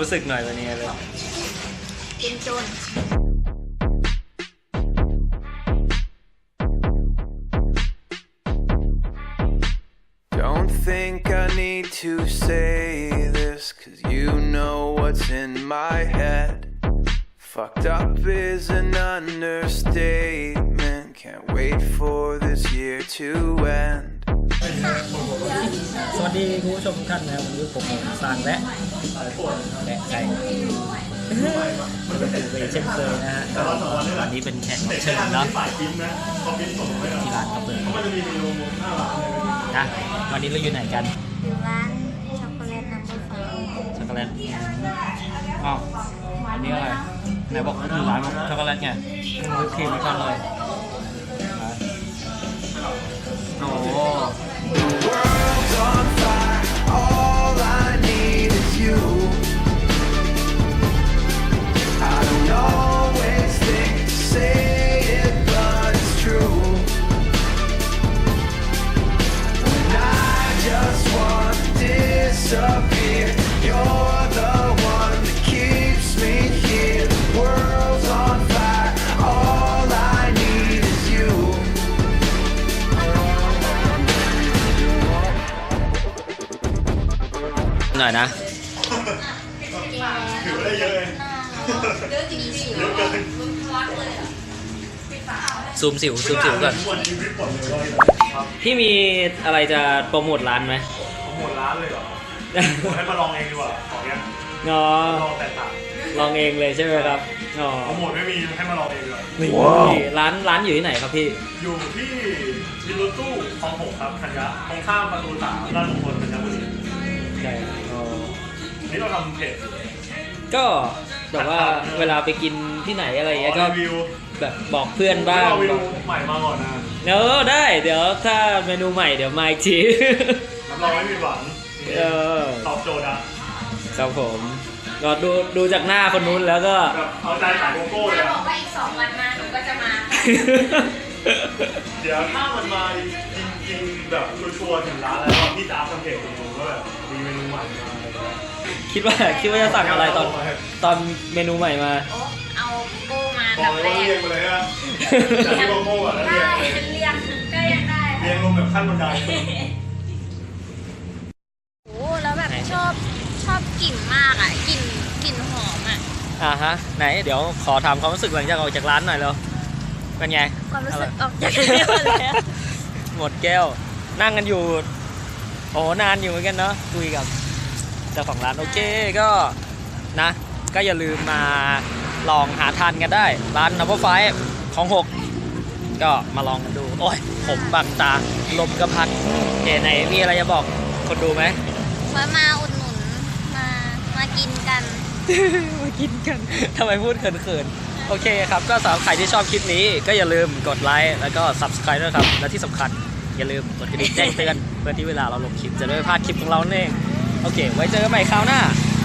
รู้สึกหน่อยวันนี้เลยเป็นโจร Don't think I need to say this, 'cause you know what's in my head. Fucked up is an understatement. Can't wait for this year to end. สวัสดีคุณผู้ชมทุกท่านนะครับวันนี้ผมสร้างและไก่เป็นเช่นเคยนะฮะวันนี้เป็นแขกรับเชิญเนาะที่ร้านกาแฟนะวันนี้เราอยู่ไหนกันอยู่ร้านช็อกโกแลตน้ำผึ้งช็อกโกแลตอ๋ออันนี้อะไรไหนบอกว่าอยู่ร้านช็อกโกแลตไงวิปครีมไม่ทันเลยโอ้ World's on fire. All I need is you. I don't always think to say it, but it's true. When I just want to disappear, you're the one that keeps me here. The world's on fire. All I need is you. หน่อยนะถือได้เยอะเลยเยอะจริงๆเยอะเกินซูมสิวก่อนพี่มีอะไรจะโปรโมทร้านไหมโปรโมทร้านเลยเหรอให้มาลองเองดีกว่าของเนี้ยอ๋อลองแตกต่างลองเองเลยใช่ไหมครับอ๋อโปรโมทไม่มีให้มาลองเองเลยนี่ร้านอยู่ที่ไหนครับพี่อยู่ที่วินรถตู้คลอง6ครับธัญญะตรงข้ามประตู3ราชมงคลธัญบุรีใช่นี่เราทำเพจก็แบบว่าเวลาไปกินที่ไหนอะไรอย่างเงี้ยก็รีวิวแบบบอกเพื่อนบ้างรีวิวใหม่มาก่อนนะได้เดี๋ยวถ้าเมนูใหม่เดี๋ยวมาอีกทีรับรองไม่ผิดหวังตอบโจทย์ครับผมก็ดูจากหน้าคนนู้นแล้วก็เอาใจขายโกโก้เลยบอกว่าอีก2 วันมาหนูก็จะมาเดี๋ยวถ้ามันมาจริงๆแบบชัวร์ถึงร้านแล้วพี่จ้าทำเพจดูก็แบบมีเมนูใหม่มาคิดว่าจะสั่งอะไรตอนเมนูใหม่มาเอาโก้มาแบบแรกเรียงไปเลยอะจากที่โกโก้อะแล้วเรียงก็ยังได้เรียงลงแบบขั้นบันไดโอ้แล้วแบบชอบกลิ่นมากอ่ะกลิ่นหอมอ่ะฮะไหนเดี๋ยวขอถามความรู้สึกหลังจากออกจากร้านหน่อยแล้วเป็นไงความรู้สึกออกจากร้านแล้วหมดแก้วนั่งกันอยู่โอ้นานอยู่เหมือนกันเนาะคุยกับเจ้าของร้านโอเคก็นะก็อย่าลืมมาลองหาทานกันได้ร้านนับว่าไฟของ6ก็มาลองกันดูโอ้ยผมบังตาลมกระพัดไหนมีอะไรจะบอกคนดูไหมมาอุดหนุนมากินกันมากินกันทำไมพูดเขินๆโอเคครับก็สำหรับใครที่ชอบคลิปนี้ก็อย่าลืมกดไลค์แล้วก็ Subscribe ด้วยครับและที่สำคัญอย่าลืมกดกระดิ่งแจ้งเตือนเพื่อที่เวลาเราลงคลิปจะได้ไม่พลาดคลิปของเราเองโอเคไว้เจอกันใหม่คราวหน้า